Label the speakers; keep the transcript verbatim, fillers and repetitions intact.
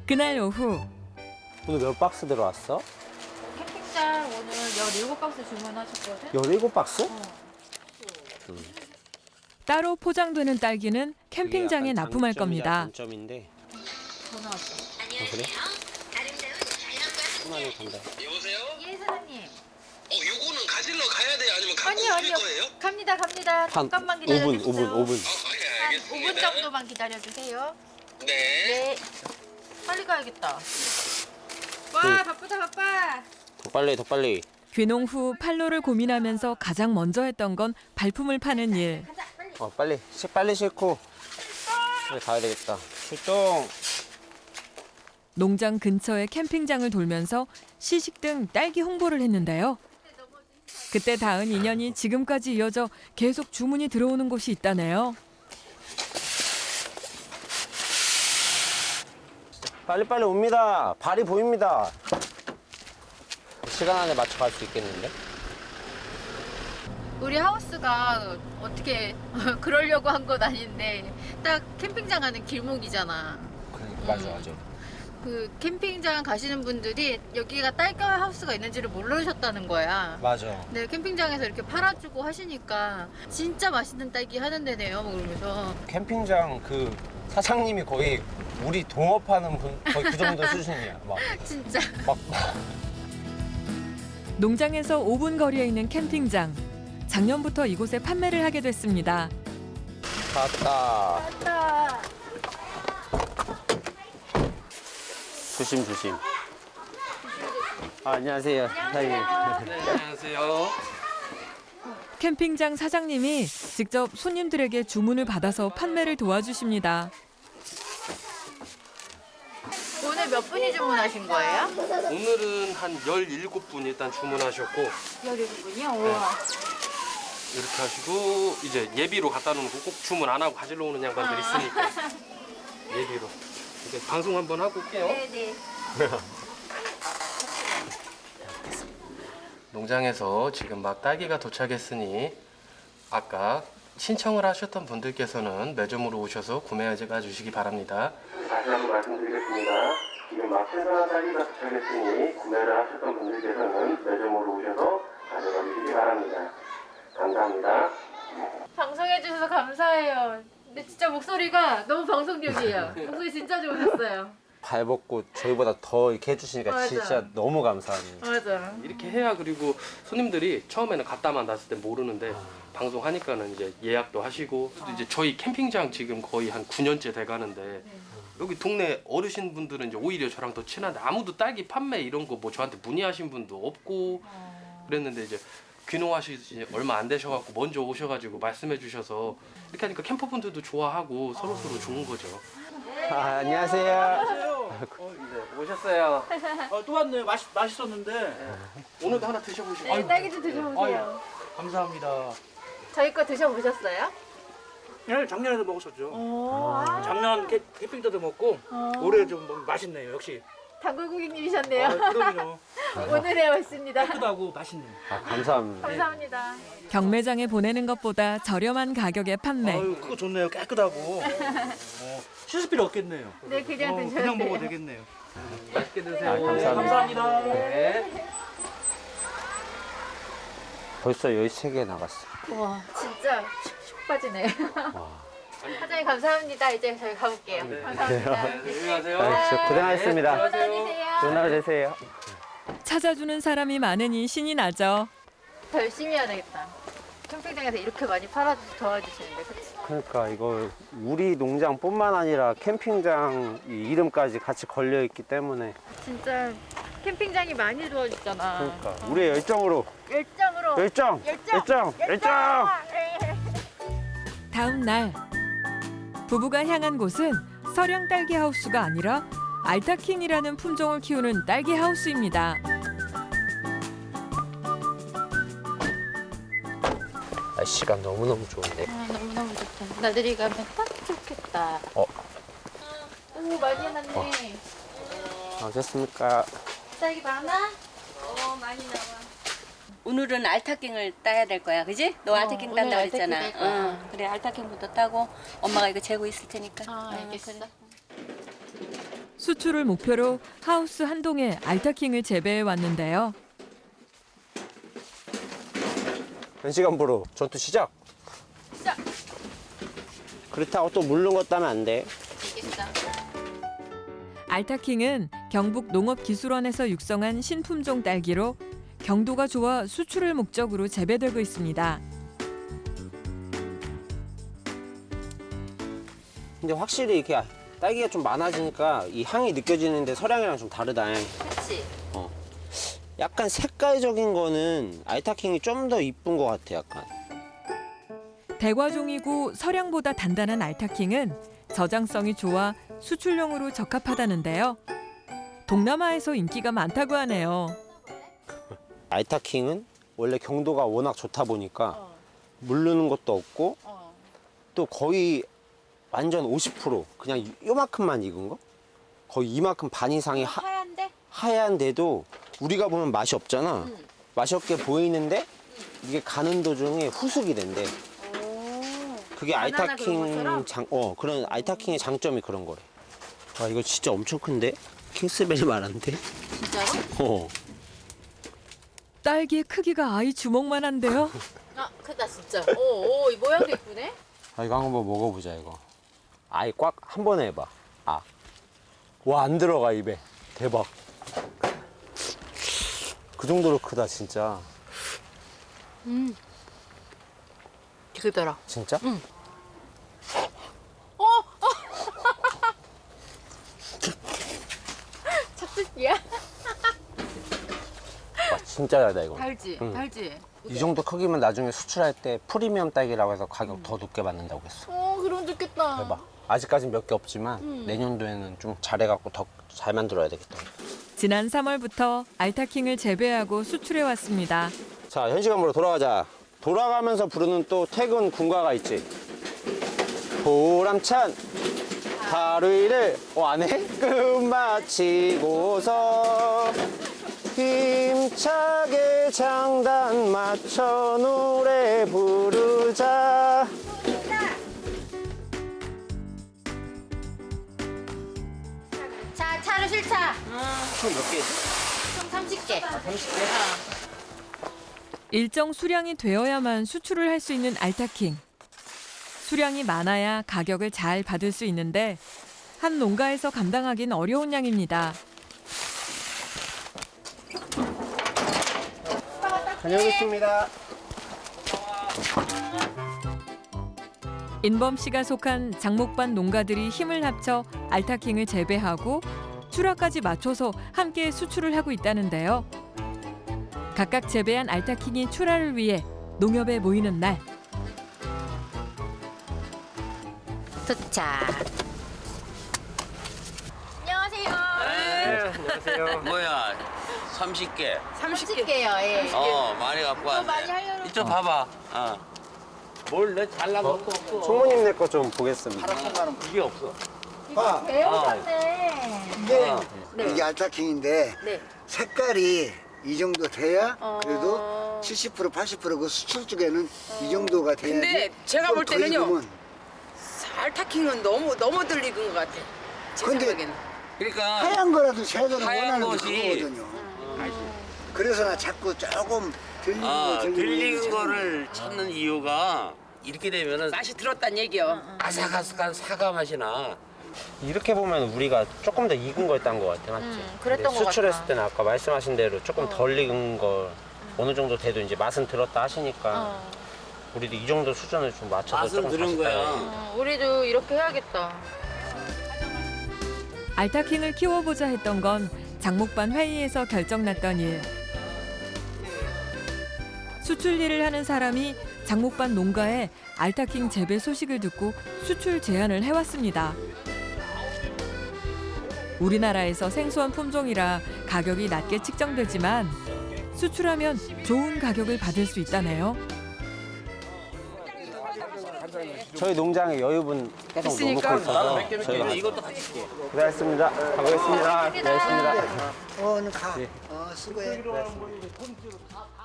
Speaker 1: 그날 오후
Speaker 2: 오늘 몇 박스 들어왔어?
Speaker 3: 캠핑장 오늘 열일곱 박스 주문하셨거든?
Speaker 2: 열일곱 박스?
Speaker 3: 어.
Speaker 1: 따로 포장되는 딸기는 캠핑장에 납품할 겁니다.
Speaker 2: 단점인데.
Speaker 3: 전화 왔어.
Speaker 2: 어, 그래? 하나는 간다.
Speaker 4: 여보세요?
Speaker 3: 예, 사장님.
Speaker 4: 어, 요거는 가지러 가야 돼요? 아니면 갖고
Speaker 3: 아니요,
Speaker 4: 오실
Speaker 3: 아니요.
Speaker 4: 거예요?
Speaker 3: 갑니다, 갑니다.
Speaker 2: 한
Speaker 3: 잠깐만
Speaker 2: 오 분,
Speaker 3: 기다려주세요.
Speaker 2: 오 분, 오 분.
Speaker 4: 아, 예,
Speaker 3: 한
Speaker 4: 알겠습니다.
Speaker 3: 오 분 정도만 기다려주세요.
Speaker 4: 네.
Speaker 3: 네. 빨리 가야겠다. 와,
Speaker 2: 그-
Speaker 3: 바쁘다, 바빠.
Speaker 2: 더 빨리, 더 빨리.
Speaker 1: 귀농 후 판로를 고민하면서 가장 먼저 했던 건 발품을 파는 일.
Speaker 3: 가자, 빨리.
Speaker 2: 어, 빨리. 시, 빨리 싣고. 빨리 가야 되겠다. 출동.
Speaker 1: 농장 근처의 캠핑장을 돌면서 시식 등 딸기 홍보를 했는데요. 그때 닿은 인연이 지금까지 이어져 계속 주문이 들어오는 곳이 있다네요.
Speaker 2: 빨리빨리 옵니다. 발이 보입니다. 시간 안에 맞춰 갈 수 있겠는데?
Speaker 3: 우리 하우스가 어떻게 그러려고 한 건 아닌데 딱 캠핑장 가는 길목이잖아.
Speaker 2: 그러니까,
Speaker 3: 맞아, 맞아. 그 캠핑장 가시는 분들이 여기가 딸기 하우스가 있는지를 모르셨다는 거야.
Speaker 2: 맞아.
Speaker 3: 네, 캠핑장에서 이렇게 팔아주고 하시니까 진짜 맛있는 딸기 하는 데네요. 뭐 그러면서
Speaker 2: 캠핑장 그 사장님이 거의 우리 동업하는 분 거의 그 정도 수준이야. 막,
Speaker 3: 진짜
Speaker 2: 막
Speaker 1: 농장에서 오 분 거리에 있는 캠핑장. 작년부터 이곳에 판매를 하게 됐습니다.
Speaker 2: 갔다.
Speaker 3: 맞다.
Speaker 2: 조심 조심. 아, 안녕하세요. 사장님.
Speaker 4: 네, 안녕하세요.
Speaker 1: 캠핑장 사장님이 직접 손님들에게 주문을 받아서 판매를 도와주십니다.
Speaker 3: 오늘 몇 분이 주문하신 거예요?
Speaker 5: 오늘은 한 열일곱 분 일단 주문하셨고
Speaker 3: 열일곱 분이요? 우와.
Speaker 5: 이렇게 하시고 이제 예비로 갖다 놓는 거 꼭 주문 안 하고 가지러 오는 양반들 있으니까 예비로 이제 방송 한번 하고 올게요.
Speaker 3: 네네.
Speaker 5: 농장에서 지금 막 딸기가 도착했으니 아까 신청을 하셨던 분들께서는 매점으로 오셔서 구매하지가 주시기 바랍니다. 다시 한번 말씀드리겠습니다. 지금 막 신선한 딸기가 도착했으니 구매를 하셨던 분들께서는 매점으로 오셔서 가져가 주시기 바랍니다. 감사합니다.
Speaker 3: 방송해 주셔서 감사해요. 근데 진짜 목소리가 너무 방송력이에요. 목소리 진짜 좋으셨어요.
Speaker 2: 발 벗고 저희보다 더 이렇게 해주시니까
Speaker 3: 맞아.
Speaker 2: 진짜 너무 감사합니다.
Speaker 3: 맞아.
Speaker 5: 이렇게 해야 그리고 손님들이 처음에는 갖다만 놨을 때 모르는데 방송하니까는 이제 예약도 하시고 또 이제 저희 캠핑장 지금 거의 한 구 년째 돼가는데 여기 동네 어르신 분들은 이제 오히려 저랑 더 친한데 아무도 딸기 판매 이런 거 뭐 저한테 문의하신 분도 없고 그랬는데 이제 귀농하시지 얼마 안 되셔갖고 먼저 오셔가지고 말씀해 주셔서 이렇게 하니까 캠퍼분들도 좋아하고 서로서로 좋은 거죠.
Speaker 2: 아, 안녕하세요.
Speaker 5: 어, 네, 오셨어요.
Speaker 6: 어, 또 왔네요. 맛있, 맛있었는데.
Speaker 5: 오늘도 하나 드셔보시고.
Speaker 3: 네, 딸기 좀 드셔보세요.
Speaker 6: 감사합니다.
Speaker 3: 저희 거 드셔보셨어요?
Speaker 6: 네, 작년에도 먹었었죠.
Speaker 3: 오, 아,
Speaker 6: 작년 캠, 캠핑 때도 먹고 올해 좀 뭐, 맛있네요. 역시.
Speaker 3: 단골 고객님이셨네요.
Speaker 6: 아, 그럼요.
Speaker 3: 오늘에 왔습니다.
Speaker 6: 크다고 맛있네요.
Speaker 2: 아, 감사합니다.
Speaker 3: 감사합니다.
Speaker 1: 경매장에 보내는 것보다 저렴한 가격에 판매.
Speaker 6: 아유, 그거 좋네요. 깨끗하고. 어, 씻을 필요 없겠네요.
Speaker 3: 네, 그냥
Speaker 6: 어,
Speaker 3: 드셔도
Speaker 6: 그냥
Speaker 3: 돼요.
Speaker 6: 먹어도 되겠네요.
Speaker 5: 맛있게 드세요.
Speaker 2: 아, 감사합니다.
Speaker 6: 감사합니다.
Speaker 5: 네.
Speaker 2: 벌써 열세 개 나갔어.
Speaker 3: 와, 진짜 슉슉 빠지네. 사장님 감사합니다. 이제 저희 가볼게요. 감사합니다.
Speaker 5: 네, 안녕하세요.
Speaker 2: 아, 진짜 고생하셨습니다.
Speaker 3: 좋은 하루 되세요.
Speaker 2: 좋은 하루 되세요.
Speaker 1: 찾아주는 사람이 많으니 신이 나죠.
Speaker 3: 더 열심히 해야 되겠다. 캠핑장에서 이렇게 많이 팔아 도와주시는데, 그치?
Speaker 2: 그러니까 이거 우리 농장뿐만 아니라 캠핑장 이 이름까지 같이 걸려 있기 때문에
Speaker 3: 진짜 캠핑장이 많이 도와줬잖아.
Speaker 2: 그러니까 우리의 열정으로
Speaker 3: 열정으로.
Speaker 2: 열정
Speaker 3: 열정!
Speaker 2: 열정 열정.
Speaker 1: 다음 날 부부가 향한 곳은 서량 딸기 하우스가 아니라 알타킹이라는 품종을 키우는 딸기 하우스입니다.
Speaker 2: 날씨가 너무너무 좋은데.
Speaker 3: 아, 너무너무 좋다. 나들이 가면 딱 좋겠다.
Speaker 2: 어.
Speaker 3: 오, 많이 해놨네.
Speaker 2: 어. 어셨습니까?
Speaker 3: 딸기 많아? 어, 많이 나와.
Speaker 7: 오늘은 알타킹을 따야 될 거야, 그지? 너
Speaker 3: 어,
Speaker 7: 알타킹
Speaker 3: 오늘
Speaker 7: 딴다
Speaker 3: 알타킹
Speaker 7: 그랬잖아.
Speaker 3: 딸 거야.
Speaker 7: 응, 그래 알타킹부터 따고 엄마가 이거 재고 있을 테니까.
Speaker 3: 아,
Speaker 7: 응,
Speaker 3: 알겠어.
Speaker 7: 그래.
Speaker 1: 수출을 목표로 하우스 한 동에 알타킹을 재배해 왔는데요.
Speaker 2: 현시간부로 전투 시작.
Speaker 3: 시작.
Speaker 2: 그렇다고 또 물른 것 따면 안 돼.
Speaker 3: 알겠어.
Speaker 1: 알타킹은 경북 농업기술원에서 육성한 신품종 딸기로 경도가 좋아 수출을 목적으로 재배되고 있습니다.
Speaker 2: 근데 확실히 이렇게 딸기가 좀 많아지니까 이 향이 느껴지는데 서량이랑 좀 다르다.
Speaker 3: 그렇지.
Speaker 2: 약간 색깔적인 거는 알타킹이 좀 더 이쁜 것 같아, 약간.
Speaker 1: 대과종이고 서량보다 단단한 알타킹은 저장성이 좋아 수출용으로 적합하다는데요. 동남아에서 인기가 많다고 하네요.
Speaker 2: 알타킹은 원래 경도가 워낙 좋다 보니까
Speaker 3: 어.
Speaker 2: 물르는 것도 없고
Speaker 3: 어.
Speaker 2: 또 거의 완전 오십 퍼센트 그냥 요만큼만 익은 거? 거의 이만큼 반 이상이 하,
Speaker 3: 하얀데?
Speaker 2: 하얀데도 우리가 보면 맛이 없잖아.
Speaker 3: 응.
Speaker 2: 맛이 없게 보이는데 이게 가는 도중에 후숙이 된대.
Speaker 3: 오.
Speaker 2: 그게
Speaker 3: 바나나 그런
Speaker 2: 알타킹
Speaker 3: 것처럼?
Speaker 2: 장, 어, 그런 알타킹의 장점이 그런 거래. 와, 이거 진짜 엄청 큰데? 킹스베리 말한데?
Speaker 3: 진짜로?
Speaker 2: 어.
Speaker 1: 딸기의 크기가 아이 주먹만 한데요.
Speaker 3: 아 크다 진짜. 오, 오, 이 모양도 이쁘네.
Speaker 2: 아, 이거 한번 먹어보자, 이거. 아이 꽉 한 번에 해봐. 아. 와, 안 들어가, 입에. 대박. 그 정도로 크다, 진짜.
Speaker 3: 음. 크더라.
Speaker 2: 진짜?
Speaker 3: 응. 착즙기야?
Speaker 2: 와, 진짜 달다, 이거.
Speaker 3: 달지,
Speaker 2: 응.
Speaker 3: 달지.
Speaker 2: 이 정도 크기면 나중에 수출할 때 프리미엄 딸기라고 해서 가격 더 높게 받는다고 했어.
Speaker 3: 어, 그럼 좋겠다.
Speaker 2: 대박. 아직까지는 몇 개 없지만
Speaker 3: 음.
Speaker 2: 내년도에는 좀 잘해갖고 더 잘 만들어야 되겠다.
Speaker 1: 지난 삼월부터 알타킹을 재배하고 수출해 왔습니다.
Speaker 2: 자, 현시간으로 돌아가자. 돌아가면서 부르는 또 퇴근 군가가 있지. 보람찬 하루 일을 어, 안 해? 끝마치고서 힘차게 장단 맞춰 노래 부르자.
Speaker 3: 자, 차로 실차.
Speaker 2: 총 몇 개지?
Speaker 3: 총 삼십 개.
Speaker 2: 삼십 개?
Speaker 1: 일정 수량이 되어야만 수출을 할 수 있는 알타킹. 수량이 많아야 가격을 잘 받을 수 있는데 한 농가에서 감당하긴 어려운 양입니다.
Speaker 2: 다녀오겠습니다.
Speaker 1: 인범 씨가 속한 장목반 농가들이 힘을 합쳐 알타킹을 재배하고 출하까지 맞춰서 함께 수출을 하고 있다는데요. 각각 재배한 알타킹이 출하를 위해 농협에 모이는 날.
Speaker 3: 도착. 안녕하세요.
Speaker 2: 안녕하세요.
Speaker 4: 뭐야, 삼십 개.
Speaker 3: 삼십 개요. 예.
Speaker 4: 어, 많이 갖고 왔네.
Speaker 3: 많이 하려고.
Speaker 4: 이쪽 봐봐. 어. 뭘 내 잘난 것도 없어.
Speaker 2: 총무님 내 거 좀 보겠습니다.
Speaker 4: 이게 없어.
Speaker 8: 봐,
Speaker 3: 배우셨네.
Speaker 8: 이게
Speaker 3: 네.
Speaker 8: 이게 알타킹인데
Speaker 3: 네.
Speaker 8: 색깔이 이 정도 돼야
Speaker 3: 어.
Speaker 8: 그래도 칠십 퍼센트 팔십 퍼센트 그 수출 쪽에는 이 정도가 돼야지.
Speaker 9: 근데 제가
Speaker 8: 좀
Speaker 9: 볼
Speaker 8: 더
Speaker 9: 때는요.
Speaker 8: 익으면.
Speaker 9: 알타킹은 너무 너무 덜 익은 것 같아. 제
Speaker 8: 근데
Speaker 9: 생각에는.
Speaker 4: 그러니까
Speaker 8: 하얀 거라도 제대로
Speaker 4: 하얀
Speaker 8: 원하는 게
Speaker 4: 것이-
Speaker 8: 그거거든요. 그래서 나 자꾸 조금 들리는
Speaker 4: 아,
Speaker 8: 거 들리는
Speaker 4: 들리는
Speaker 8: 거
Speaker 4: 거를 찾는 이유가 이렇게 되면은
Speaker 9: 맛이 들었단 얘기요.
Speaker 4: 아삭아삭한 사과 맛이 나.
Speaker 2: 이렇게 보면 우리가 조금 더 익은 걸 딴 것 같아, 맞지?
Speaker 3: 음, 그랬던
Speaker 2: 근데
Speaker 3: 것
Speaker 2: 수출했을
Speaker 3: 같다.
Speaker 2: 때는 아까 말씀하신 대로 조금
Speaker 3: 어.
Speaker 2: 덜 익은 걸 어느 정도 돼도 이제 맛은 들었다 하시니까
Speaker 3: 어.
Speaker 2: 우리도 이 정도 수준을 좀 맞춰서
Speaker 4: 맛은
Speaker 2: 조금
Speaker 4: 들은
Speaker 2: 다시
Speaker 4: 거야.
Speaker 2: 따야지.
Speaker 3: 어, 우리도 이렇게 해야겠다.
Speaker 1: 알타킹을 키워보자 했던 건 장목반 회의에서 결정났던 일. 수출 일을 하는 사람이 장목반 농가에 알타킹 재배 소식을 듣고 수출 제안을 해왔습니다. 우리나라에서 생소한 품종이라 가격이 낮게 측정되지만 수출하면 좋은 가격을 받을 수 있다네요.
Speaker 2: 저희 농장에 여유분 계속
Speaker 9: 있으니까.
Speaker 2: 노놓고 있어서 저희가
Speaker 4: 이것도 같이 줄게.
Speaker 2: 고생하셨습니다. 가보겠습니다. 고생하셨습니다.
Speaker 8: 어, 는 가. 어, 수고해.